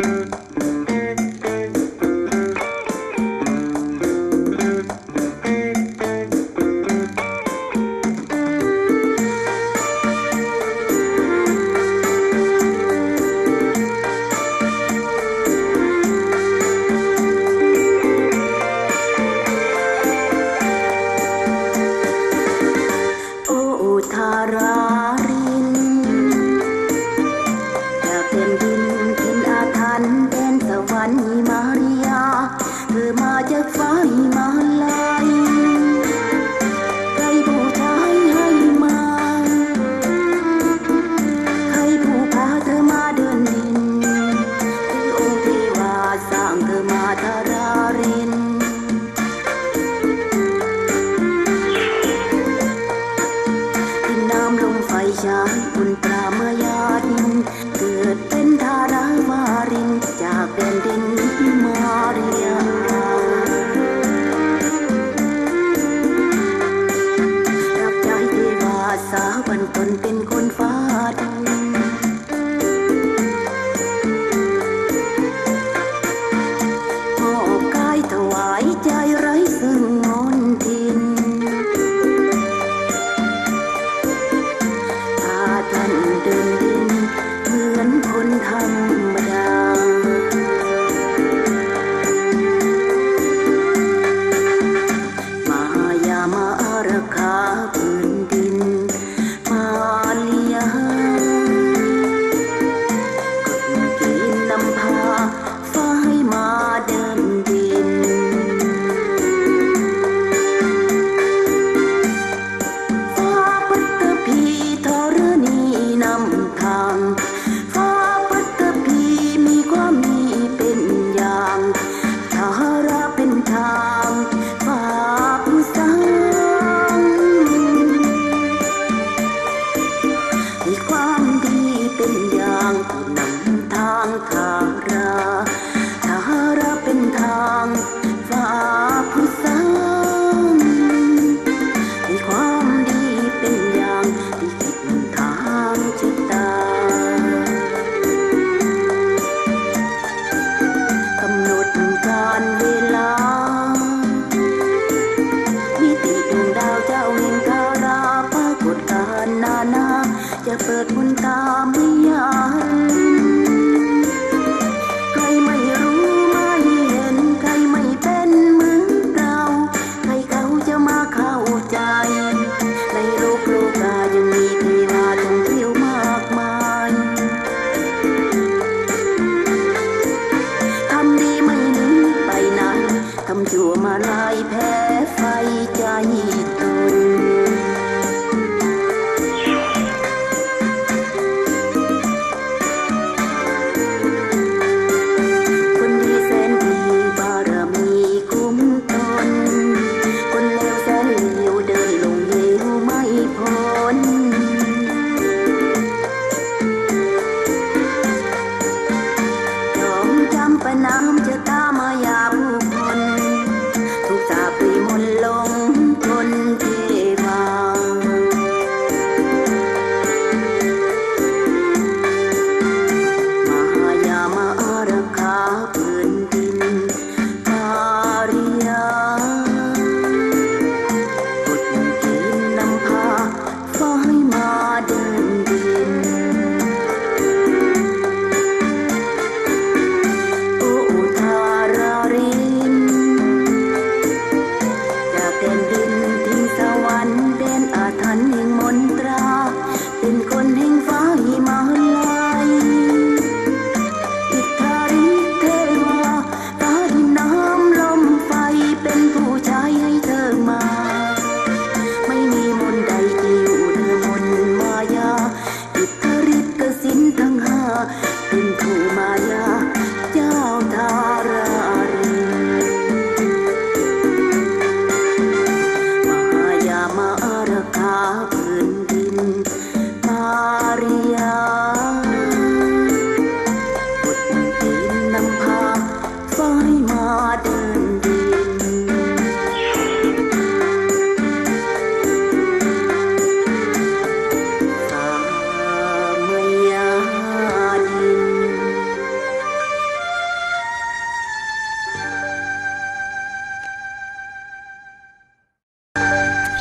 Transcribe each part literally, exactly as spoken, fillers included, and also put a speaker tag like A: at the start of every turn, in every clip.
A: น้ำจะตามายาผู้คนถูกสาปรีมนต์ลงทน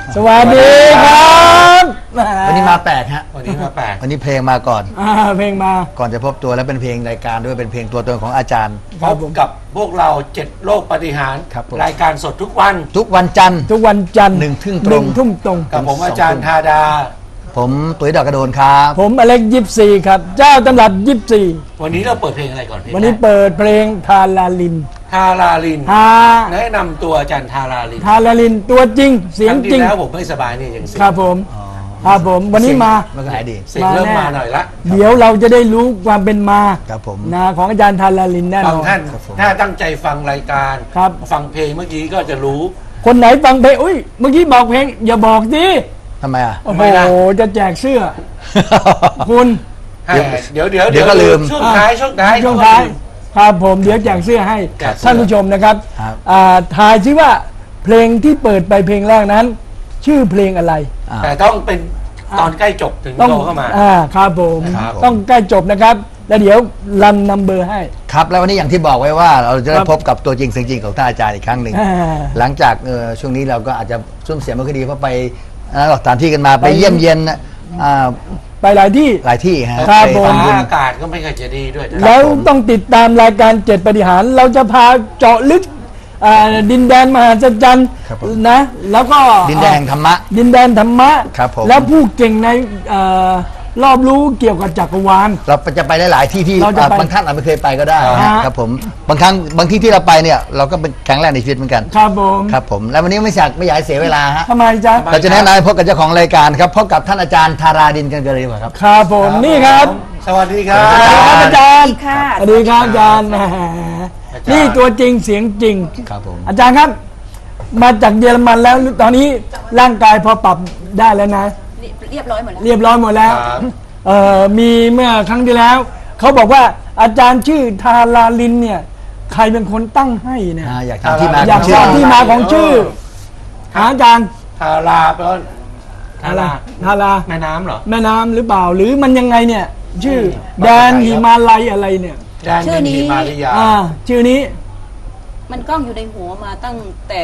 A: สวัสดีครับ
B: วันนี้มาแปลกฮะ
C: วันนี้มาแปลก
B: วันนี้เพลงมาก่อน
A: อ่าเพลงมา
B: ก่อนจะพบตัวแล้วเป็นเพลงรายการด้วยเป็นเพลงตัวตนของอาจารย์
C: พบกับพวกเราเจ็ดโลกปฏิหารรายการสดทุกวัน
B: ทุกวันจันทร์
A: ทุกวันจันทร์
B: หนึ่งทุ่มต
A: ห
B: ร
A: นึ่
B: ง
A: งทุ่มตรง
C: กับผมอาจารย์ธาดา
B: ผมตุ๋ยดอกกระโดนครับ
A: ผมอเล็กยิปซีครับเจ้าตำรับยิปซี
C: วันนี้เราเปิดเพลงอะไรก่อนพี่
A: วันนี้เปิดเพลงทาราลิน
C: ทาราลิน
A: ฮา
C: แนะนำตัวอาจารย์ทาราลิน
A: ทาราลินตัวจริงเสียงจริง
C: แล้วผมไม่สบายนี่ยังเสียง
A: ครับผมครับผมวันนี้มา
B: มันก็หายดี
C: เสียงเริ่มมาหน่อยละ
A: เดี๋ยวเราจะได้รู้ความเป็นมา
B: ครับผม
A: นะของอาจารย์ทาราลินแน่นอน
C: ท่านถ้าตั้งใจฟังรายการ
A: ครับ
C: ฟังเพลงเมื่อกี้ก็จะรู้
A: คนไหนฟังเพลงอุ้ยเมื่อกี้บอกเพลงอย่าบอกดิ
B: ทำไมอ่ะ
A: โอ้โหจะแจกเสื้อคุณ
C: เดี๋ยวเดี๋ยว
B: เดี๋ยวก็ลืม
C: ช่วงท้ายช่วงท้าย
A: ช่วงท้ายครับผมเดี๋ยวแจกเสื้อให้ท่านผู้ชมนะครับทายซิว่าเพลงที่เปิดไปเพลงแรกนั้น ชื่อเพลงอะไร
C: แต่ต้องเป็นตอนใกล้จบถึงโทรเข้ามา
A: อ่าครับผมต้องใกล้จบนะครับแล้วเดี๋ยวรันนัมเบอร์ให้
B: ครับแล้ววันนี้อย่างที่บอกไว้ว่าเราจะได้พบกับตัวจริงเสียงจริงของท่านอาจารย์อีกครั้งหนึ่งหลังจากช่วงนี้เราก็อาจจะซุ่มเสียงไม่ค่อยดีเพราะไปสถานที่กันมาไปเยี่ยมเยียน
A: ไปหลายที่
B: หลายที่ฮะ
A: ครับผม
C: อากาศก็ไม่ค่อยจะดีด้วย
A: แล้วต้องติดตามรายการเจ็ดปฏิหารเราจะพาเจาะลึกดินแดนมหาศจรรย์นะแล้วก็
B: ดินแดนแห่งธรรมะ
A: ดินแดนธรรมะแล้วผู้เก่งในรอบรู้เกี่ยวกับจักรวาล
B: เราจะไปได้หลายที่ที่บางท่านอาจไม่เคยไปก็ได้ครับผมบางครั้งบางที่ที่เราไปเนี่ยเราก็เป็นแข็งแรงในชีวิตเหมือนกัน
A: ครับผม
B: ครับผมแล้ววันนี้ไม่อยากไม่อยากเสียเวลาฮะ
A: ทำไมจ๊ะ
B: เราจะแนะนำพบกับเจ้าของรายการครับพบกับท่านอาจารย์ธาราดินกันเลยดีกว่าครับ
A: ครับผมนี่ครับ
C: สวัสดีครับ
A: อาจารย์สวัสดีครับอาจารย์นี่ตัวจริงเสียงจริง
B: ครับผม
A: อาจารย์ครับมาจากเยอรมันแล้วตอนนี้ร่างกายพอปรับได้แล้วนะ
D: เรียบร้อยหมดแล้ว
A: เรียบร้อยหมดแล้วเอ่อมีเมื่อครั้งที่แล้วเขาบอกว่าอาจารย์ชื่อทาราลินเนี่ยใครเป็นคนตั้งให้เนี่ย
B: อยากทราบที่มา
A: อยากทราบที่มาของชื่ออาจารย์
C: ทาราแปลว่า
A: ทาราทารา
C: แม่น้ำเหรอ
A: แม่น้ำหรือเปล่าหรือมันยังไงเนี่ยชื่อแดนหิมาลัยอะไรเนี่ย
C: ชื่อนี้
A: อ่าชื่อนี้
D: มันกล้องอยู่ในหัวมาตั้งแต่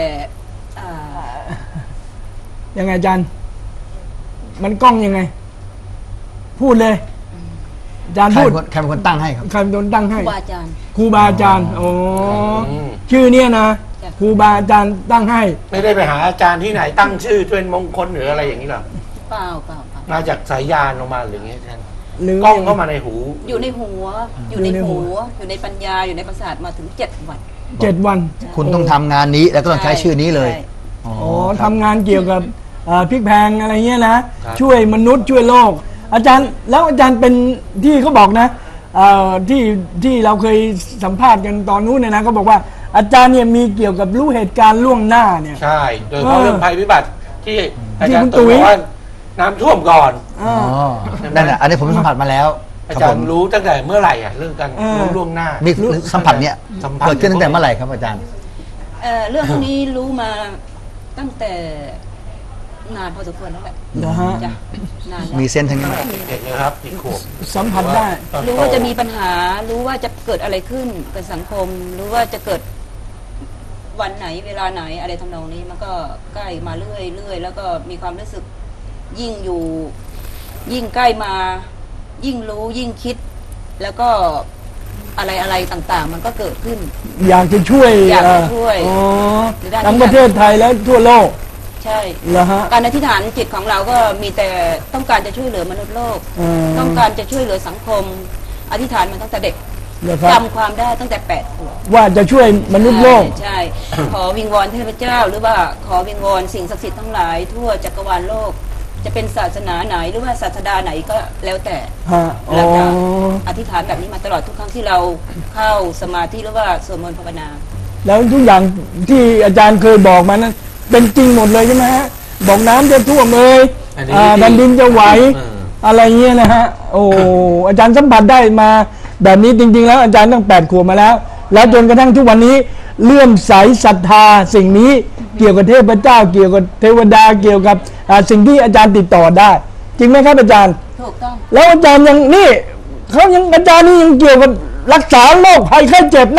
A: ยังไงอาจารย์มันกล้องยังไงพูดเลยอาจารย์พูด
B: ใครเป็นคนตั้งให้ครับ
A: ใครเป็นคนตั้งให้
D: ครูบาอาจารย์
A: ครูบาอาจารย์โอ้ชื่อเนี้ยนะครูบาอาจารย์ตั้งให้
C: ไม่ได้ไปหาอาจารย์ที่ไหนตั้งชื่อเป็นมงคลหรืออะไรอย่างนี้หรอ
D: เปล่าเปล่า
C: มาจากสายยานลงมาหรืออย่างนี้ท่านกล้องเข้ามาในหู
D: อยู่ในหัวอยู่ในหัวอยู่ในปัญญาอยู่ในประสาทมาถึงเจ็ดวัน
A: เจ็ดวัน
B: คุณต้องทำงานนี้แล้วก็ต้องใช้ชื่อนี้เลย
A: อ๋อทำงานเกี่ยวกับพริกแพงอะไรเงี้ยนะช่วยมนุษย์ช่วยโลกอาจารย์แล้วอาจารย์เป็นที่เขาบอกนะที่ที่เราเคยสัมภาษณ์กันตอนนู้นเนี่ยนะเขาบอกว่าอาจารย์เนี่ยมีเกี่ยวกับรู้เหตุการณ์ล่วงหน้าเนี่ย
C: ใช่โดยเฉพาะเรื่องภัยพิบัติที่อาจารย์ตุ๋ยว่าน้ำท่วมก่อน
B: อ๋อนั่นแหละอันนี้ผมสัมผัสมาแล้ว
C: อาจารย์รู้ตั้งแต่เมื่อไหร่อ่ะเรื่องการล่วงหน้า
B: มีสัมผัสเนี่ยเกิดขึ้นตั้งแต่เมื่อไหร่ครับอาจารย์
D: เรื่องพวกนี้รู้มาตั้งแต่นานพอสมควรแล้วแหละ
A: นะฮะ
B: มีเส้นทั้งนี้
C: เด็กนะครับอีกขวบ
A: สัมผัสได้
D: รู้ว่าจะมีปัญหารู้ว่าจะเกิดอะไรขึ้นกับสังคมรู้ว่าจะเกิดวันไหนเวลาไหนอะไรทำนองนี้มันก็ใกล้มาเรื่อยเรื่อยแล้วก็มีความรู้สึกยิ่งอยู่ยิ่งใกล้มายิ่งรู้ยิ่งคิดแล้วก็อะไรอะไรต่างๆมันก็เกิดขึ้น
A: อยากจะช่วย
D: อยากจะช่วย
A: ทั้งประเทศไทยและทั่วโลก
D: ใช่การอธิษฐานจิตของเราก็มีแต่ต้องการจะช่วยเหลือมนุษย์โลกต้องการจะช่วยเหลือสังคมอธิษฐานมาตั้งแต่เด็กจำความได้ตั้งแต่แปดขวบ
A: ว่าจะช่วยมนุษย์โลก
D: ใช่ขอวิงวอนเทพเจ้าหรือว่าขอวิงวอนสิ่งศักดิ์สิทธิ์ทั้งหลายทั่วจักรวาลโลกจะเป็นศาสนาไหนหรือว่าศาสดาไหนก็แล้วแต่เราจะอธิษฐานแบบนี้มาตลอดทุกครั้งที่เราเข้าสมาธิหรือว่าสวดมนต์ภาวนา
A: แล้วทุกอย่างที่อาจารย์เคยบอกมานั้นเป็นจริงหมดเลยใช่ไหมฮะบอกน้ำจะท่วมเลยแผ่นดินจะไหวอะไรเงี้ยนะฮะโอ้อาจารย์สัมผัสได้มาแบบนี้จริงๆแล้วอาจารย์ตั้งแปดขวบมาแล้วแล้วจนกระทั่งทุกวันนี้เลื่อมใสศรัทธาสิ่งนี้เกี่ยวกับเทพเจ้าเกี่ยวกับเทวดาเกี่ยวกับสิ่งที่อาจารย์ติดต่อได้จริงไหมครับอาจารย์
D: ถูกต้อง
A: แล้วอาจารย์ยังนี่เขายังอาจารย์นี่ยังเกี่ยวกับรักษาโรคภัยไข้เจ็บนะ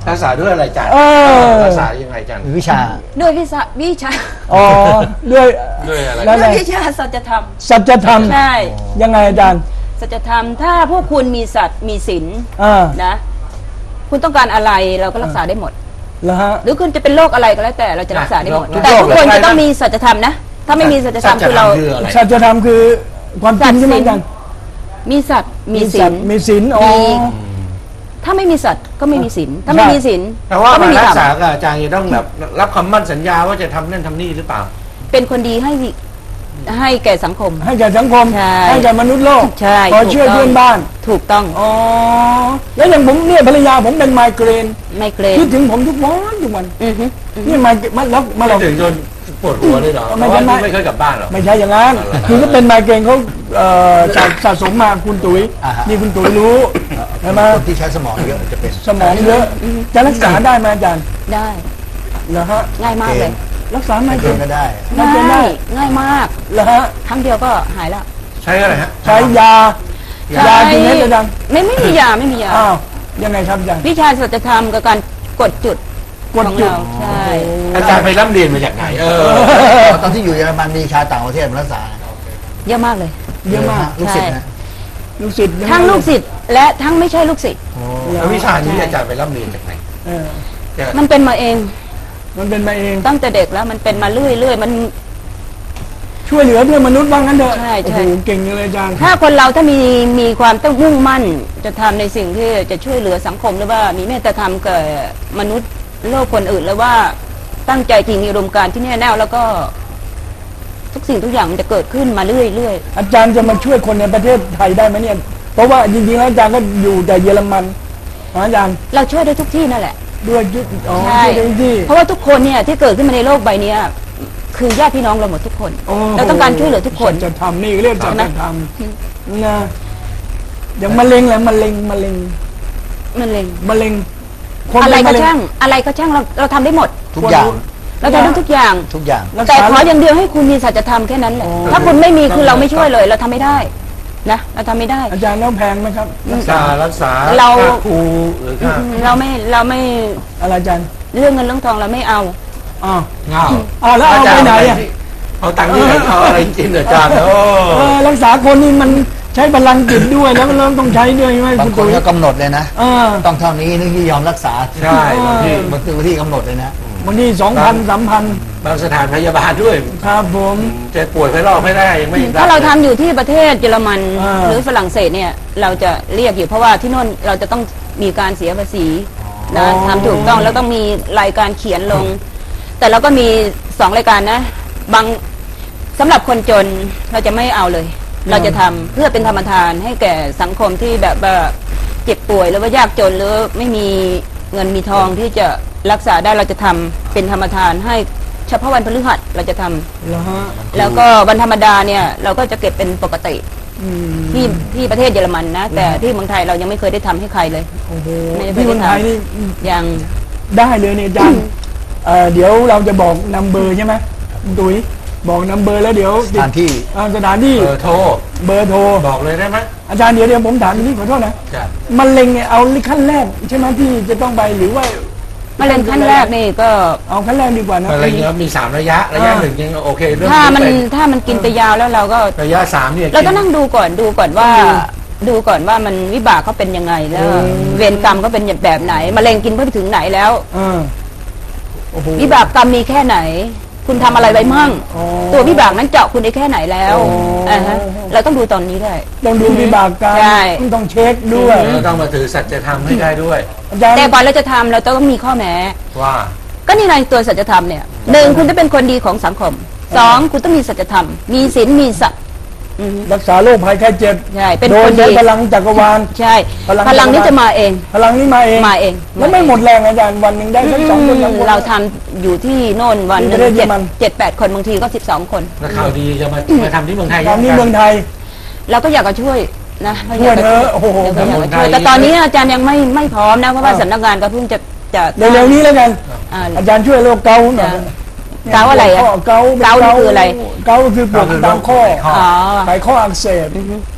C: รักษาด้วยอะไรอาจารย์
A: เออ
C: รักษายังไงอาจารย์
B: มีวิชา
D: ด้วยวิชาวิชา
A: อ๋อด้วย
C: ด้วยอะไร
A: แล้ว
D: ด้วยวิชาสัจธรรม
A: สัจธรรม
D: ใช่
A: ยังไงอาจารย์
D: สัจธรรมถ้าพวกคุณมีสัตว์มีศีล
A: อ่า
D: นะ คุณต้องการอะไรเราก็รักษาได้หมด
A: แล้วฮะ
D: หรือคุณจะเป็นโรคอะไรก็แล้วแต่เราจะรักษาได้หมด
C: ทุกโรค
D: แต่ทุกคน
C: เลย
D: จะต้องมีสัจธรรมนะ ถ้าไม่มีสัจธรรมคือเรา
C: คืออะไร
A: สัจธรรมคือความจริงใช่ไหมอาจารย์
D: มีสัตว์มีศี
A: สั
D: ล
A: ตว์มีศีลอ๋อ
D: มี ถ้าไม่มีสัตว์ก็ไม่มีศีลถ้าไม่
A: ใช่
D: มีศีล
C: แต่ว่า
D: ก็ไม่
C: มา
D: มี
C: รั
D: ธร
C: กษาร
D: ม
C: กับอาจารย์จะต้องแบบรับคำมั่นสัญญาว่าจะทำนั่นทำนี่หรือเปล่า
D: เป็นคนดีให้ให้แก่สังคม
A: ให้แก่สังคม
D: ใช่
A: ให้แก่มนุษย์โลก
D: ใช่
A: คอยช่วย
D: ถูกต้อง
A: เพื่อนบ้าน
D: ถูกต้อง
A: อ๋อแล้วอย่างผมเนี่ยภรรยาผมเป็นไมเกรน
D: ไม่เกรง
A: คิดถึงผมทุกวันทุกวัน
D: อือฮึอือฮึ
A: นี่ไมเกรนมาแล้วมาล
C: ไม่
A: อง
C: ถึงจนปวดหัวเลยเหรอเพ
A: ไม่
C: ราะ
A: ใช่
C: ว่า
A: ไม่
C: ไม่เคยกลับบ้านหรอก
A: ไม่ใช่อย่างนั้น
C: อะไร
A: คือก็เป็นไมเกรนเขาเอ่อสะสะสมมาคุณตุ๋ย
B: อ่าฮะ
A: นี่คุณตุ๋ยรู้ใช่ไหม
B: คนที่ใช้สมองเยอะจะเป็น
A: สมองเยอะจะรักษาได้ไหมอาจารย์
D: ได้
A: เหรอฮะ
D: ง่ายมากเลย
A: รักษาไม
B: ไม่
A: เกร
B: เกิน
A: น
B: ก็ได้
A: มันเป็นได้
D: ง่ายง่ายมาก
A: เหรอฮะ
D: ครั้งเดียวก็หายแล้ว
C: ใช้อะไรฮะ
A: ใช้ยา ยากี่เม็ดอาจารย์
D: ไม่ไม่มียาไม่มียา
A: อ้าวยังไงครับอาจารย์
D: วิชาสัจธรรมกับการกดจุด
A: กดจุด
D: ของเราใช่
C: อาจารย์ไปร่ำเรียนมาจากไหน เออ
B: ตอนที่อยู่เยอรมันมีชาวต่างประเทศมารักษา
D: เยอะมากเลย
A: เยอะมาก
B: ลูกศิษย์นะ
A: ลูกศิษย์เยอะมาก
D: ทั้งลูกศิษย์และทั้งไม่ใช่ลูกศิษย์
C: แล้ววิชานี้อาจารย์ไปร่ำเรียนจากไหน
A: เออ
D: มันเป็นมาเอง
A: มันเป็นมาเอง
D: ตั้งแต่เด็กแล้วมันเป็นมาเรื่อยเรื่อยๆมัน
A: ช่วยเหลือเพื่อนมนุษย์บ้างงั้นเถอะ
D: ใช่ใช่
A: โอ้โหเก่งเลยอาจารย์
D: ถ้าคนเราถ้ามีมีความต้องมุ่งมั่น จะทำในสิ่งที่จะช่วยเหลือสังคมหรือว่ามีเมตตาธรรมกับมนุษย์โลกคนอื่นแล้วว่าตั้งใจจริงมีอุดมการณ์ที่แน่แน่วแล้วก็ ทุกสิ่งทุกอย่างมันจะเกิดขึ้นมาเรื่อยเรื่อย
A: อาจารย์จะมาช่วยคนในประเทศไทยได้ไหมเนี่ย เพราะว่าจริงๆแล้วอาจารย์ก็อยู่แต่เยอรมันนะอาจารย์
D: เราช่วยได้ทุกที่นั่นแหละ
A: ด้วยยุทธอ๋อ
D: ใช่
A: ช่วยได้ที่
D: เพราะว่าทุกคนเนี่ยที่เกิดขึ้นมาในโลกใบเนี้ยคือญาติพี่น้องเราหมดทุกคน
A: โอ้โห
D: เราต้องการช่วยเหลือทุกคน
A: จะทำนี่เรียกจะ
D: ใช่ไหม
A: ทำนะอย่างมะเร็งแหละมะเร็งมะเร็ง
D: มันเลย
A: มะเร็งคน
D: อะไร
A: เป็น
D: ก็
A: มะเร็ง
D: ช่าง อะไรก็ช่างเราเราทำได้หมด
B: ทุกอย่าง
D: เราทำได้ทุกอย่าง
B: ทุกอย่าง
A: รัก
D: แต่
A: ษา
D: ขออย่างเดียวให้คุณมีสัจธรรมแค่นั้นแหละ
A: โอ้
D: ถ้าคุณไม่มีคือเราไม่ช่วยเลย เราทำไม่ได้ นะเราทำไม่ได้
A: อาจารย์แล้วแพงไหมครับ
C: ค่ารักษา
D: เรา
C: ค่าครูหรือค่า
D: เราไม่เราไม่
A: อะไรอาจารย์
D: เรื่องเงินเรื่องทองเราไม่เอา
A: อ้าว
C: เงา
A: อ้าวแล้วเอาไปไหนอ่ะ
C: เอาตังค์ที่ไหนเอาอะไรกินเหรออาจารย์โอ้
A: เออรักษาคนนี่มันใช้พลังจิตด้วยแล้วก็เริ่มต้องใช้ด้วยใช่ไหม
B: บาง
A: คุณ
B: คน
A: ตุ๋ย
B: ก็กำหนดเลยนะ
A: เออ
B: ต้องเท่านี้นึกที่ยอมรักษา
C: ใช่บางที
B: บางทีที่กำหนดเลยนะ
A: วันนี้สองพันสามพัน
C: บางสถานพยาบาลด้วย
A: ครับผม
C: จะป่วยไข้รอบไม่ได้ยังไม่
D: ถ้าเราทำอยู่ที่ประเทศเยอรมัน
A: อ่า
D: หรือฝรั่งเศสเนี่ย เราจะเรียกอยู่เพราะว่าที่โน่นเราจะต้องมีการเสียภาษีนะทำถูกต้องแล้วต้องมีรายการเขียนลง แต่เราก็มีสองรายการนะ บางสำหรับคนจนเราจะไม่เอาเลย เราจะทำเพื่อเป็นธรรมทานให้แก่สังคมที่แบบว่าเจ็บป่วยหรือว่ายากจนหรือไม่มีเงินมีทองที่จะรักษาได้เราจะทำเป็นธรรมทานให้เฉพาะวันพฤหัสเราจะทำ
A: แล้วฮะ
D: แล้วก็วันธรรมดาเนี่ยเราก็จะเก็บเป็นปกติ
A: อืม
D: ที่ที่ประเทศเยอรมันนะ แต่ที่เมืองไทยเรายังไม่เคยได้ทำให้ใครเลย
A: โอ้โห
D: ไม่ได้
A: ที่เมืองไทย
D: ไม่ได้
A: นี่
D: ยัง
A: ได้เลยเนี่ยอาจารย์เอ่อเดี๋ยวเราจะบอกนัมเบอร์ใช่ไหมคุณตุ๋ยบอกนัมเบอร์แล้วเดี๋ยว
B: สถานที่
A: อ่าสถานที่
C: เบอร์โทร
A: เบอร์โทร
C: บอกเลยได้ไหม
A: อาจารย์เดี๋ยวเดี๋ยวผมถามนิดขอโทษนะ
C: จ้ะ
A: มะเร็งเนี่ยเอาขั้นแรกใช่ไหมที่จะต้องไปหรือว่าม
D: ะเร็งขั้นแรกนี่ก็
A: เอาขั้นแรกดีกว่านะ
C: อะไรเงี้ยมีสามระยะระยะหนึ่งยังโอเคเรื่อง
D: ถ้ามัน
C: เป็น
D: ถ้ามันกินไปยาวแล้วเราก็
C: ระยะสามเนี่ย
D: เราต้องนั่งดูก่อนดูก่อนว่า ดูก่อนว่ามันวิบากเขาเป็นยังไงแล้ว เวรกรรมเขาเป็นแบบไหนมะเร็งกินไปถึงไหนแล้ว
A: เออโอ้โห
D: วิบากกรรมมีแค่ไหน คุณทำอะไรไว้มั่ง
A: อ๋อ
D: ตัววิบากนั้นเจาะคุณได้แค่ไหนแล้ว
A: อ๋ออ่
D: อ่าฮะเราต้องดูตอนนี้ได้
A: ต้องดูวิบากกรรม
D: ใช่
A: ต้องเช็คด้วย
C: เราต้องมาถือสัจธรรมให้ได้ด้วย
A: อาจารย์
D: แต่ก่อนเราจะทำเราต้องมีข้อแม้
C: ว่า
D: ก็นี่ไงตัวสัจธรรมเนี่ยหนึ่งคุณต้องเป็นคนดีของสังคมสองคุณต้องมีสัจธรรม มีศีลมีสัตย์อือฮึ
A: รักษาโรคภัยไข้เจ็บ
D: ใช่เป็น
A: โด
D: ค
A: ย
D: น
A: ใช้
D: ดี
A: พลังจักรวาล
D: ใช่
A: พลัง
D: พลังนี้จะมาเอง
A: พลังนี้มาเอง
D: มาเอง
A: แล้วไม่หมดแรงอาจารย์วันหนึ่งได้สักสองคนสามคน
D: เราทำอยู่ที่โน่นวันหนึ่ง
A: ที่ประเทศเย
D: เจ็
A: อ
D: ด
A: รมัน
D: เจ็ดแปดคนบางทีก็สิบสองคน
C: นักข่าวดีจะมามาทำที่เมืองไทย
A: ตอนนี้เมืองไทย
D: เราก็อยากจะช่วยนะ
A: ช่วยเถอะโอ้โห
D: เราก็อยากจะช่วยแต่ตอนนี้อาจารย์ยังไม่ไม่พร้อมนะเพราะว่าสำนักงานก็เพิ่งจะจะ
A: เร็วๆนี้แล้วกัน
D: อ่า
A: อาจารย์ช่วยโรคเกาต์หน่อย
D: เกาต์อะไรอะ
A: ข้เกาต์
D: เกาต์นี่คืออะไร
A: เกาต์คือปวดตามข้อ
D: อ๋อ
A: ไขข้ออักเสบ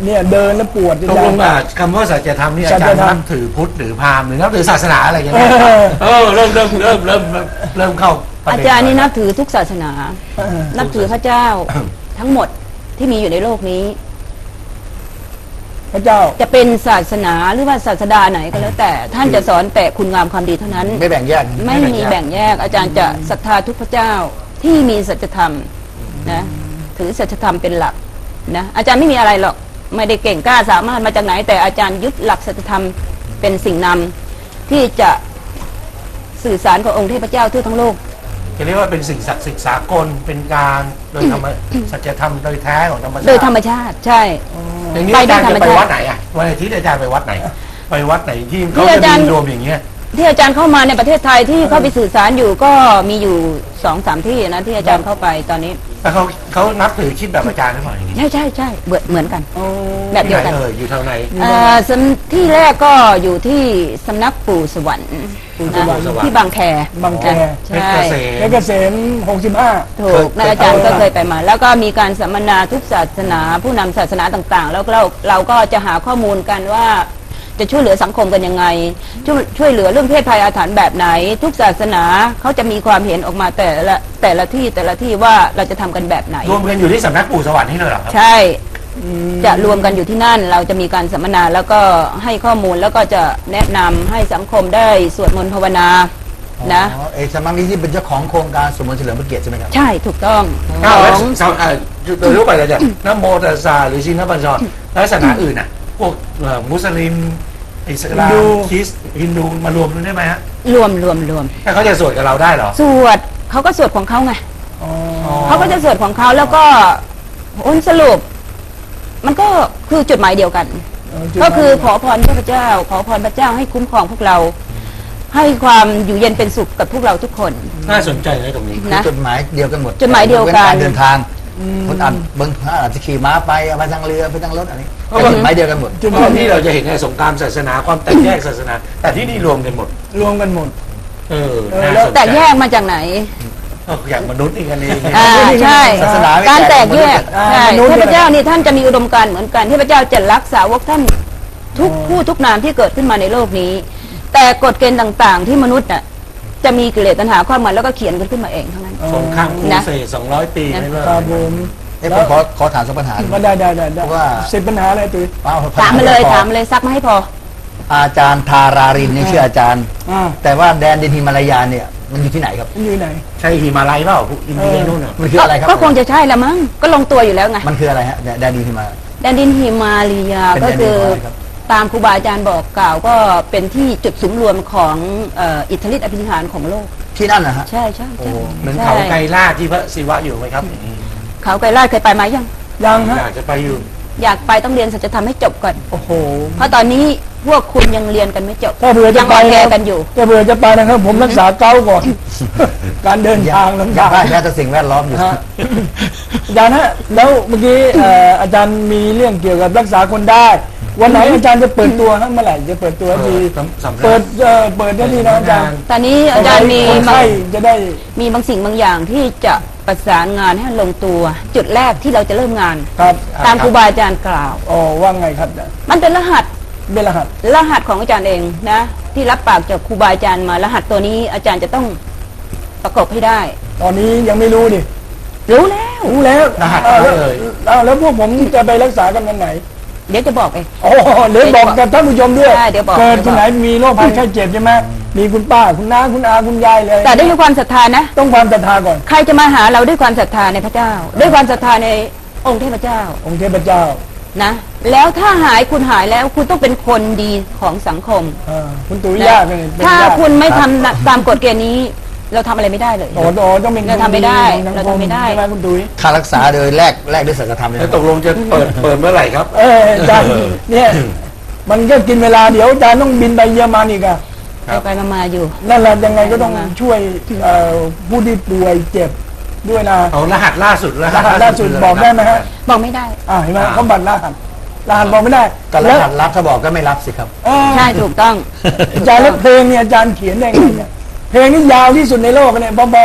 A: เนี่ยเดินแล้วปวด
C: ตกลงอ่ะคำว่าสัจธรรมนี่อา
A: สั
C: จาร
A: จ
C: ย์
A: ธรรม
C: นับถือพุทธหรือพราหมณ์หรือนับถือศาสนาอะไรอย่าง
A: เอ
C: เงี้ย
A: อ
C: เออเริ่มเริ่มเริ่มเริ่มเริ่มเริ่มเข้าปะ
D: อา
C: เด็
D: จารย์นี่นับถือทุกศาสนา
A: เออ
D: นับถือพระเจ้าทั้งหมดที่มีอยู่ในโลกนี้
A: พระเจ้า
D: จะเป็นศาสนาหรือว่าศาสดาไหนก็แล้วแต่ท่านจะสอนแต่คุณงามความดีเท่านั้น
B: ไม่แบ่งแยก
D: ไม่มีแบ่งแยก อาจารย์จะศรัทธาทุกพระเจ้าที่มีสัจธรรมนะถือสัจธรรมเป็นหลักนะอาจารย์ไม่มีอะไรหรอกไม่ได้เก่งกล้าสามารถมาจากไหน แต่อาจารย์ยึดหลักสัจธรรมเป็นสิ่งนำที่จะสื่อสารกับองค์เทพเจ้าทั่วทั้งโลก
C: จะเรียกว่าเป็นสิ่งศักดิ์สิทธิ์สากลเป็นการโดยธรรมสัจธรรมโดยแท้ของธรรมชาติ
D: โดยธรรมชาติใช่
C: อย่างนี้
D: ไป
C: อา
D: ได้
C: จารย์
D: ธรรม
C: จะไป
D: ชาติ
C: วัดไหนอ่ะวันอาทิตย์อาจารย์ไปวัดไหน ไปวัดไหนที่
D: ที่
C: เขา
D: อา
C: จะ
D: จารย์
C: มีรวมอย่างเงี้ย
D: ที่อาจารย์เข้ามาในประเทศไทยที่เข้าไปสื่อสารอยู่ก็มีอยู่สองสามที่นะที่อาจารย์เข้าไปตอนนี้
C: แต่เขาเขานับถือคิดแบบอาจารย์หรือเปล่าอย่างนี้
D: ใช่ใช่ใช่เหมือนเหมือนกัน
A: โอ้
D: แบบเดียวกัน
C: ที่ไหเอออยู่ทางไหน
D: เอ่อสำที่แรกก็อยู่ที่สำนักปู่สวรรค์
A: ปู่สวรรค์
D: นะที่บางแค
A: บางแค
D: ใช่
C: เพชรเกษ
A: เพชรเกษมหกสิบห้า
D: ถูกนะอาจารย์ก็เคยไปมา แล้วก็มีการสัมมนาทุกศาสนาผู้นำศาสนาต่างๆ แล้วเราเราก็จะหาข้อมูลกันว่าจะช่วยเหลือสังคมกันยังไงช่วยช่วยเหลือเรื่องเพศภัยอาถรรพ์แบบไหน ทุกศาสนาเขาจะมีความเห็นออกมาแต่ละแต่ละที่แต่ละที่ว่าเราจะทำกันแบบไหน
C: รวมกันอยู่ที่สำนักปู่สวรรค์นี่เลยเหรอครับ
D: ใช่ จะรวมกันอยู่ที่นั่น เราจะมีการสัมมนาแล้วก็ให้ข้อมูลแล้วก็จะแนะนำให้สังคมได้สวดมนต์ภาวนานะ
B: อ๋อเอกสำนักนี้ที่เป็นเจ้าของโครงการสมมติเฉลิมพระเกียรติใช่ไหมครับ
D: ใช่ถูกต้อง
C: อ้าวแล้ว
D: ของ
C: สาวเอ่อโดยทั่วไปเลยเนี่ยนะโมตัสสะหรือชินบัญชรแล้วศาสนาอื่นอ่ะ พวกเอ่อมุสลิมอิสลาม
A: ฮินดู
C: คริสต์ฮินดูมารวมกันได้ไหมฮะ
D: รวมรวมรวม
C: ถ้าเขาจะสวดกับเราได้เหรอ
D: สวดเขาก็สวดของเขาไง
A: อ๋อ
D: เขาก็จะสวดของเขาแล้วก็ผลสรุป มันก็คือจุดหมายเดียวกัน ก็คือขอพรพระเจ้า ขอพรพระเจ้าให้คุ้มครองพวกเรา ให้ความอยู่เย็นเป็นสุขกับพวกเราทุกคน
C: น่าสนใจเลยตรงนี้
B: คือ
D: นะ
B: จดหมายเดียวกันหมด
D: จดหมายเดียวกัน
B: การเดินทางคนอ่านบางท่านอาจจะขี่ม้าไปเอาไปทางเรือไปทางรถอันนี้
C: เพราะ
B: แต่
C: ว่า
B: จดหมายเดียวกันหมด
A: จุด
C: เพ
A: หมา
C: ราะ
A: ย
C: ที่เราจะเห็นในสงครามศาสนาความแตกแยกศาสนา แต่ที่นี่รวมกันหมด
A: รวมกันหมด
C: เออ
A: เออ
C: น่า
A: แล้ว
C: สนใจ
D: แต่แยกมาจากไหน
C: เอออย่างมนุษย์อีกอันนี้
D: อ่าใช่
B: ศาสนาไม่
D: การแตกแยก
A: อ่า
D: ใช่
A: มนุษย์
D: เทพเจ้านี่ท่านจะมีอุดมการณ์เหมือนกันเทพเจ้าจะรักษาวกท่านทุกผู้ทุกนามที่เกิดขึ้นมาในโลกนี้ แต่กฎเกณฑ์ต่างๆ ที่มนุษย์น่ะจะมีกิเลสตัณหาความหมายแล้วก็เขียนกันขึ้นมาเองเท่านั้น
C: สงครามครู
D: นะ
C: เสดสองร้อยปีไม่เลิก
A: ครับผม
B: เอ้ยผมขอขอถามสักปัญหาหนึ่ง
A: ก็ได้ได้ได้ได้
B: เพราะว่า
A: สิบปัญหาอะไรตุ้ย
B: อ้ว
D: ถามมาเลย
B: พอ
D: ถามมาเลยซักมาให้พอ
B: อาจารย์ทารารินนี่ชื่ออาจารย์
A: อ่า
B: แต่ว่าแดนดินฮิมาลายาเนี่ยมันอยู่ที่ไหนครับ
A: มันอยู่ไหน
C: ใช่หิมาลัยเปล่าพวกอินเดียนู่นน่ะ
B: มันคืออะไรครับ
D: ก็คงจะใช่ละมั้งก็ลงตัวอยู่แล้วไง
B: มันคืออะไรฮะแดนดินฮิมาลายา
D: แดนดินหิมาลียา
B: เป็น
D: ก็
B: แดนดิน
D: คือ
B: ของอะไรครับ
D: ตามครูบาอาจารย์บอกกล่าวก็เป็นที่จุดสุมรวมของเอ่ออิทธิฤทธิอภินิหารของโลก
B: ที่นั่นนะฮะ
D: ใช่ใช่ใช่
C: เหมือน
D: ใช่
C: เขาไกรลาดที่พระศิวะอยู่ไหมครับอย่างนี้
D: เขาไกรลาดเคยไปไหมยัง
A: ยังฮะ
C: อยากจะไปอยู่
D: อยากไปต้องเรียนสัจธรรมให้จบก่อน
A: โอ้โห
D: เพราะตอนนี้พวกคุณยังเรียนกันไม่จบ
A: ถ้าเผื่อจะ
D: ยัง
A: ไป
D: อ่อนแอ
A: นะ
D: กันอยู่
A: ถ้าเผื่อจะไปนะครับ ผมรักษาเก้าก่อน การเดินทางลำ
B: ยั
A: บาง ก
B: ได้แค่แต่สิ่งแวดล้อมอยู่
A: ฮะอาจารย์ฮะแล้วเมื่อกี้เอ่ออาจารย์มีเรื่องเกี่ยวกับรักษาคนได้ วันไหนอาจารย์จะเปิดตัวฮะเมื่อไหร่จะเปิดตัวที
C: สำสำนัก
A: เปิดเอ่อเปิดได้ทีนะอาจารย์
D: ตอนนี้อาจารย์มี
A: คน
D: บาง
A: ไข้จะได้
D: มีบางสิ่งบางอย่างที่จะประสานงานให้ลงตัว จุดแรกที่เราจะเริ่มงาน
A: ครับ
D: ตามครูบาอาจารย์กล่าว
A: อ๋อว่าไงครับอาจารย์
D: มันเป็นรหัส
A: เป็นรหัส
D: รหัสของอาจารย์เองนะ ที่รับปากจากครูบาอาจารย์มารหัสตัวนี้อาจารย์จะต้องประกบให้ได้
A: ตอนนี้ยังไม่รู้ดิ
D: รู้แล้ว
A: รู้แล้ว
C: รหัส
A: อ้าว
C: อะไร
A: แล้ว
C: เอ่ย
A: อ้าวแล้วพวกผมจะไปรักษากันวันไหน
D: เดี๋ยวจะบอกเอง
A: อ๋อเดี๋ยวบอกกับท่านผู้ชมด้วย
D: ใช่เดี๋ยวบอก
A: เกิดที่ไหนมีโรคภัยไข้เจ็บใช่ไหมมีคุณป้าคุณน้าคุณอาคุณยายเลย
D: แต่ด้วยความศรัทธานะ
A: ต้องความศรัทธาก่อน
D: ใครจะมาหาเราด้วยความศรัทธาในพระเจ้า ด้วยความศรัทธาในองค์เทพเจ้า
A: องค์เทพเจ้า
D: นะ แล้วถ้าหายคุณหายแล้วคุณต้องเป็นคนดีของสังคม
A: อ่าคุณตุ๋ย
D: นะ
A: ยากเลยเป็น
D: ถ้าย
A: าก
D: คุณไม่ทำตามกฎเกณฑ์นี้ เราทำอะไรไม่ได้เลย
A: โอ้โหต้องเป็น
D: เราทำไม่ได้
A: คนของสังค
D: เราทำไม่ได้
A: ใช่ไหมคุณตุ๋ย
B: ค่ารักษาโดยแลกแลกด้วยสัจธรรมเลย
C: แล้ว
B: นะ
C: ตกลงจะเปิดเปิดเมื่อไหร่ครับ
A: เอออาจารย์เนี่ยมันก็กินเวลาเดี๋ยวอาจารย์ต้องบินไปเยอรมันอีกอะ
C: ครับ
D: ไปๆมาๆอยู่
A: นั่นแหละยังไงก็ต้อง
D: มา
A: ช่วยเอ่อผู้ที่ป่วยเจ็บด้วยนะ
C: เอารหัสล่าสุดร
A: ร
C: หัส
A: หัสล่าสุดบอกได้ไหมฮะ
D: บอกไม่ได้
A: อ่าเห็นไหม
C: อ่า
A: เขาบัตรรหัสรหัสบอกไม่ได้
B: ก็ร
A: แล้ว
B: หัสรับถ้าบอกก็ไม่รับสิครับ
A: เออ
D: ใช่ถูกต้อง
A: อาจารย์แล้วเพลงเนี่ยอาจารย์เขียนได้ไงเนี่ยเพลงนี้ยาวที่สุดในโลกเนี่ยพอพอ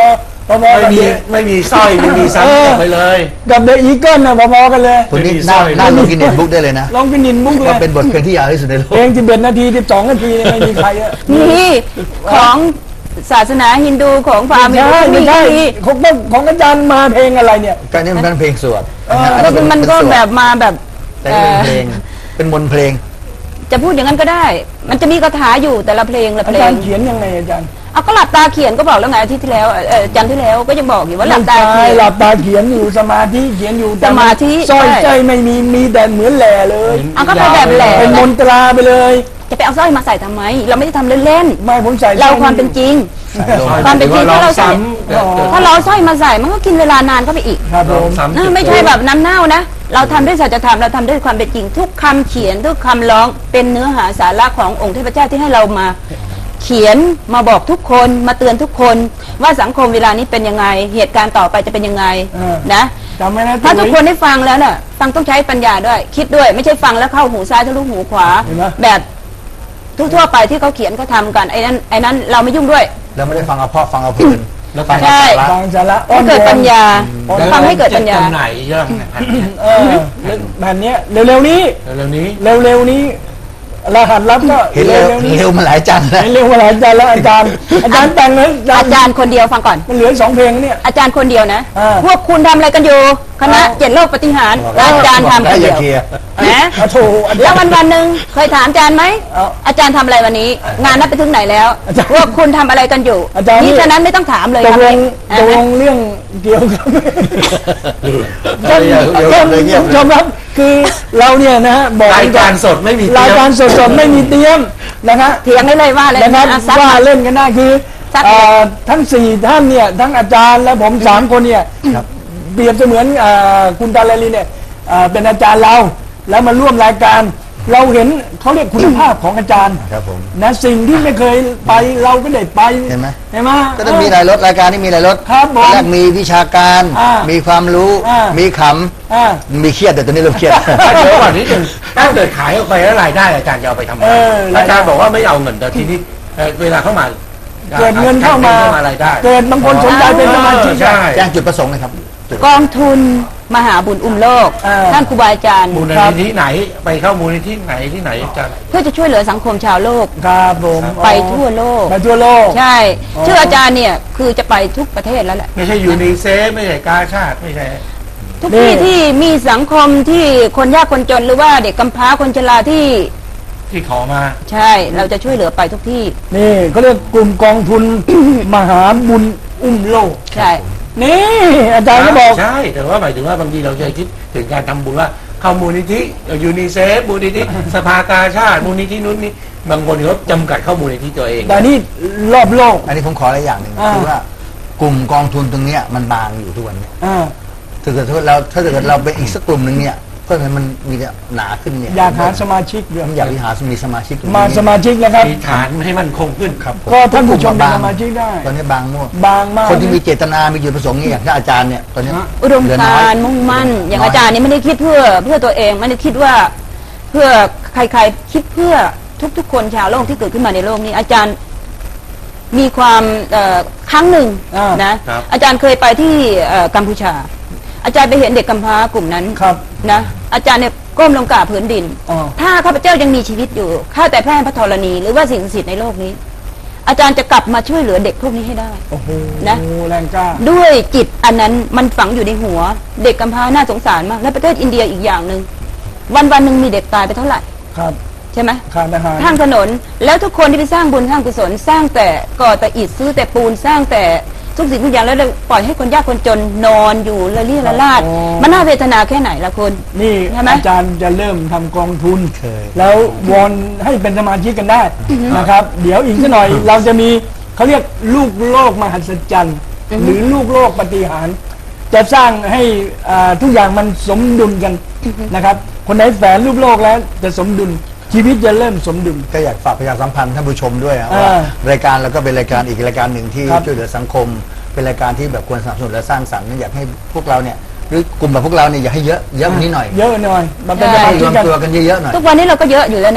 A: พอๆ
C: ไม่
A: กับ
C: มี
A: เดอะ
C: ไม่มีสร้อยไม่มีซ้ำออกไปเลย
A: กับเดอะอีเกิลนะพอๆกันเลย
B: คนนี้
C: ไม่มี
B: น่า
C: สร้อย
B: น่าลงกินเน็ตบุ๊กได้เลยนะ
A: ลองกินนินมุกเล
B: ว่าย เป็นบทเพลงที่ยาวที่สุดในโลก
A: เพลงสิบเอ็ดนาทีสิบสองนาทีเนี่ยไม่มีใครอะ
D: นี่ของศาสนาฮินดูของพราหมณ์
A: ไม่ใช่ไม่ใช่
D: มี
A: ของต้องของอาจารย์มาเพลงอะไรเนี่ย
B: การนี้มันเป็นเพลงสวด
A: เออ
B: อั
D: แล้ว
B: เป็
D: มันก็
B: เป็สวด
D: แบบมาแบบ
B: แต่
D: เอ่
B: นี่เป็น
D: อ
B: เพลง เป็นมนต์เพลง
D: จะพูดอย่างนั้นก็ได้ มันจะมีคาถาอยู่แต่ละเพลงละ
A: อา
D: เพล
A: จารง ย์เขียนยังไงอาจารย์
D: เอาก็หลับตาเขียนก็บอกแล้วไงอาทิตย์ที่แล้วเอ่อเอ่อจันทร์ที่แล้วก็ยังบอกอยู่ว่าหลับตา
A: ไม่
D: เขี
A: ใช่
D: ยน
A: หลับตาเขียนอยู่สมาธิเขียนอยู่แต่
D: สมาธิ
A: สร้อย
D: ใช่
A: ใจไม่มีมีแต่เหมือนแหล่เลย
D: เอาก็ไปแบบแหล่
A: เป็นมนตราไปเลย
D: จะไปเอาสร้อยมาใส่ทำไม เราไม่ได้ทำเล่น
A: ไม่ผมใส่
D: ๆเราความเป็นจริง ความเป็นจริง
C: หอ
D: ถ้าเรา
C: ว่
D: ใส่
C: ซ้ำเกิดเกิด
D: ถ้าเราเอาสร้อยมาใส่มันก็กินเวลานานเข้าไปอีก
A: ครับผ
C: ลอง
A: ม
C: ซ้ำ
D: นะไม่ใช่แบบน้ำเน่านะ เราทำด้วยสัจธรรมเราทำด้วยความเป็นจริง ทุกคำเขียนทุกคำร้องเป็นเนื้อหาสาระขององค์เทพเจ้าที่ให้เรามา เขียนมาบอกทุกคนมาเตือนทุกคน ว่าสังคมเวลานี้เป็นยังไง เหตุการณ์ต่อไปจะเป็นยังไง
A: เออ
D: นะ
A: จำไว้นะ
D: ถ้าทุกคน
A: ตุ๋ย
D: ได้ฟังแล้วน่ะฟังต้องใช้ปัญญาด้วย คิดด้วยไม่ใช่ฟังแล้วเข้าหูซ้ายทะลุหูขวา
A: เห็นไหม
D: แบบทั่วๆไปที่เขาเขียนเขาทำกันไอ้นั้นไอ้นั้นเราไม่ยุ่งด้วย
B: แล้วไม่ได้ฟังเอาเพราะฟังเอาเพลิน
C: แล้ว
B: ฟัง
D: ใช่
B: เอาสาระ
A: ฟังสาระ
D: ให้เกิดปัญญา
C: แล้ว
D: ฟังให้เกิดปัญญา
C: จะจำหน่ายเรื่องนะครับ
A: เออแผ่นเนี้ยเร็วๆนี้
C: เร็วๆนี้
A: เร็วๆนี้รหัสลับก็
B: เห็นเร็ว
A: ๆนี้
B: เร็วมาหลายจังแล้ว
A: เห็นเร็วมาหลายอาจารย์แล้วอาจารย์ อาจารย์แต่งเลย
D: อาจารย์คนเดียวฟังก่อน
A: มันเหลือสองเพลงเนี่ย
D: อาจารย์คนเดียวนะ
A: อ่า
D: พวกคุณทำอะไรกันอยู่ คณะ
A: เอา
D: เจ็ดโลกปฏิหารย์
B: เอา
D: อาจารย์ทำคน
B: อ
D: เดี
B: ย่า
D: ยว
B: เคลียร์
D: นะ
A: อ่ะโถอาจา
D: แล้
A: ร
D: ว
A: ย์
D: วันวันๆหนึ่งเคยถามอาจารย์ไหม
A: เอา
D: อาจารย์ทำอะไรวันนี้ งานนับไปถึงไหนแล้ว
A: อาจารย์
D: พวกคุณทำอะไรกันอยู่
A: อาจารย์นี่
D: นี่ฉะนั้นไม่ต้องถามเลย
A: ตกลง
D: อ่า
A: ตกล
D: ฮะ
A: งเรื่องเกี่ยวกับ
B: เดี๋
A: ท่าน
B: ยวเดี๋ยว
A: ท่าน
B: เดี๋ยวเงียบ
A: ผู้ชมครับคือเราเนี่ยนะฮะบอก
C: รายการสดไม่มีเต
A: ราย
C: รียม
A: การสดๆไม่มีเตรียมนะครับ
D: เถียงได้เลยว่าเลย
A: นะครับ
D: อ่ะซัด
A: ว่า
D: มา
A: เล่นกันได้คือ
D: ซัด
A: เอ่อทั้งสี่ท่านเนี่ยทั้งอาจารย์และผมสามคนเนี่ยเปรียบเสมือนเอ่อคุณตาลาลีเนี่ยเอ่อเป็นอาจารย์เราแล้วมาร่วมรายการ เราเห็นเขาเรียกคุณภาพของอาจารย์
B: ครับผม
A: นะสิ่งที่ไม่เคยไปเราก็ได้ไป
B: เห็นไหม
A: เห็นไหม
B: ก็ต้องมีหลายรถรายการที่มีหลายรถ
A: ครับผม
B: แรกมีวิชาการ
A: อ่ามี
B: มีความรู้
A: อ่ามี
B: มีข
A: อ่า
B: ำมีเครียดแต่ตอนนี้เริ่มเครียด
C: เดี๋ยวก่อนนิดนึงถ้าเกิดขายออกไปแล้วรายได้อาจารย์จะเอาไปทำอะไร
A: เออรายได้
C: อาจารย์บอกว่าไม่เอาเงินแต่ทีนี้เอ่อเวลาเข้ามา
A: เกิดเงินเข้ามา
C: รายได้
A: เกิดบางคนสนใจเป็นสมาชิก
C: ใช่
B: แจ้งจุดประสงค์เลยครับจุด
D: กองทุนมหาบุญอุ้มโลก
A: อ่า
D: ท่านครูบาอาจารย์
C: มูลนิธิไหนไปเข้ามูลนิธิไหนที่ไหนอาจารย์
D: เพื่อจะช่วยเหลือสังคมชาวโลก
A: ครับผม
D: ไปทั่วโลก
A: ไปทั่วโลก
D: ใช่
A: อ๋อ
D: ชื่ออาจารย์เนี่ยคือจะไปทุกประเทศแล้วแหละ
C: ไม่ใช่ยูนิเซฟไม่ใช่กาชาติไม่ใช่
D: ทุก
A: นี่
D: ที่ที่มีสังคมที่คนยากคนจนหรือว่าเด็กกำพร้าคนชราที่
C: ที่ขอมา
D: ใช่ เราจะช่วยเหลือไปทุกที่
A: นี่เขาเรียกกลุ่มกองทุน มหาบุญอุ้มโลก
D: ใช่
A: นี่อาจารย์ก็บอก
C: ใช่แต่ว่าหมายถึงว่าบางทีเราจะคิดถึงการทำบุญว่าเข้ามูลนิธิยูนิเซฟมูลนิธิสภากาชาติมูลนิธินู้นนี่บางคนเขาจำกัดเข้ามูลนิธิตัวเอง
A: แต่นี่รอบโลก
B: อันนี้ผมขออะไรอย่างหนึ่ง
A: อ่า
B: คือว่ากลุ่มกองทุนตรงเนี้ยมันบางอยู่ทุกวันเนี้ย
A: อ่า
B: ถ้าเกิดเราถ้าเกิดเราเป็นอีกสักกลุ่มหนึ่งเนี่ยเพื่อให้มันมีหนาขึ้นเนี่ย
A: อยากหาสมาชิกด้วย
B: ผมอยากที่หามีสมาชิกตรงนี้
A: มาสมาชิกนะครับ
C: มีฐานให้มันคงขึ้น
B: ครับผม
A: ก็ท่านผู้ชมเป็น
B: บาง
A: สมาชิกได้
B: ตอนนี้บางมั่ว
A: บางมาก
B: คนที่มีเจตนา มีจุดประสงค์เนี่ยอย่างที่อาจารย์เนี่ยตอนนี้
D: อุดม
B: เหลือน้
D: กา
B: อย
D: รมุ่งมั่น อย่าง
B: น้อย
D: อาจารย์นี่ไม่ได้คิดเพื่อเพื่อตัวเองไม่ได้คิดว่าเพื่อใครๆคิดเพื่อทุกๆ คนชาวโลกที่เกิดขึ้นมาในโลกนี้ อาจารย์มีความเอ่อครั้งหนึ่ง
A: อ่าน
D: นะครับ อาจารย์เคยไปที่เอ่อกัมพูชา อาจารย์ไปเห็นเด็กกำพร้ากลุ่มนั้น
A: ครับ
D: นะอาจารย์เนี่ยก้มลงกราบพื้นดิน
A: อ๋อ
D: ถ้าข้าพเจ้ายังมีชีวิตอยู่ข้าแต่แพร่พระธรณีหรือว่าสิ่งศักดิ์สิทธิ์ในโลกนี้ อาจารย์จะกลับมาช่วยเหลือเด็กพวกนี้ให้ได้
A: โอ้โห
D: นะ
A: แรงกล้า
D: ด้วยจิตอันนั้นมันฝังอยู่ในหัว เด็กกำพร้าน่าสงสารมากและประเทศอินเดียอีกอย่างหนึ่งวันวันๆหนึ่งมีเด็กตายไปเท่าไหร่
A: ครับ
D: ใช่ไหม
A: ขาดอาหาร
D: ข้างถนน แล้วทุกคนที่ไปสร้างบุญสร้างกุศลสร้างแต่ก่อแต่อิฐซื้อแต่ปูนสร้างแต่ทุกสิ่งทุกอย่างแล้วเลยปล่อยให้คนยากคนจนนอนอยู่ละลี่ละลาด
A: อ๋อ
D: มันน่าเวทนาแค่ไหนล่ะคุณ
A: นี่
D: ใช่ไหม
A: อาจารย์จะเริ่มทำกองทุน
B: เคย
A: แล้ววอนให้เป็นสมาชิกกันได้นะครับ เดี๋ยวอีกสักหน่อยเราจะมีเขาเรียกลูกโลกมหัศจรรย์หรือลูกโลกปฏิหารย์จะสร้างให้อ่าทุกอย่างมันสมดุลกันนะครับ คนไหนแฝงลูกโลกแล้วจะสมดุลชีวิตจะเริ่มสมดุล
B: ก็อยากฝากประชาสัมพันธ์ท่านผู้ชมด้วยอะ
A: อ่า
B: ว่ารายการเราก็เป็นรายการอีกรายการหนึ่งที่
A: ครับ
B: ช่วยเหลือสังคม เป็นรายการที่แบบควรสนับสนุนและสร้างสรรค์อยากให้พวกเราเนี่ยหรือกลุ่มแบบพวกเราเนี่ยอยากให้เยอะเยอะกว่านี้หน่อย
A: เยอะหน่อยมันเป็น
D: ใช่
A: สมา
B: ให้ร
A: ชิก
B: วม
A: กัน
B: ตัวกันเยอะๆหน่อย
D: ทุกวันนี้เราก็เยอะอยู่แล้วนะ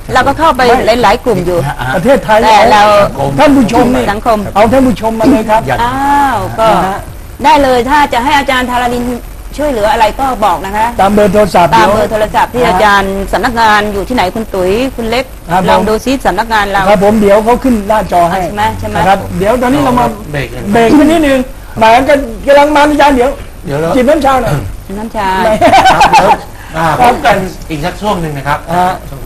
D: เราก็เข้าไปหลาย ๆ กลุ่มอยู่
A: ประเทศไทย
D: แต่เรา
A: ท่านผู้ชมนี่
D: สังคม
A: เอาท่านผู้ชมมาเลยครับ
B: อยาก
D: อ้าวก็
A: นะฮะ
D: ได้เลยถ้าจะให้อาจารย์ธาราลินช่วยเหลืออะไรก็บอกนะคะ
A: ตามเบอร์โทรศัพท์
D: ตาม
A: ดี๋ยว
D: เบอร์โทรศัพท์ที่
A: นะฮะ
D: อาจารย์สำนักงานอยู่ที่ไหนคุณตุ๋ยคุณเล็ก
A: ครับ
D: ลอง
A: ผม
D: ดูซิสำนักงานเรา
A: ครับผมเดี๋ยวเขาขึ้นหน้าจอให้
D: ใช่ไหมใช่ไหม
A: นะครับเดี๋ยวตอนนี้เรามา
C: เบรกกัน
A: เบรกกันนิดนึงหมายกันกำลังมาอาจารย์เดี๋ยว
C: เดี๋ยวเรา
A: จิบน้ำชาหน่อย
D: น้ำชา
C: ครับเดี๋ยวอ่าพบกันอีกสักช่วงหนึ่งนะครับ
A: อ่า
C: ช่วง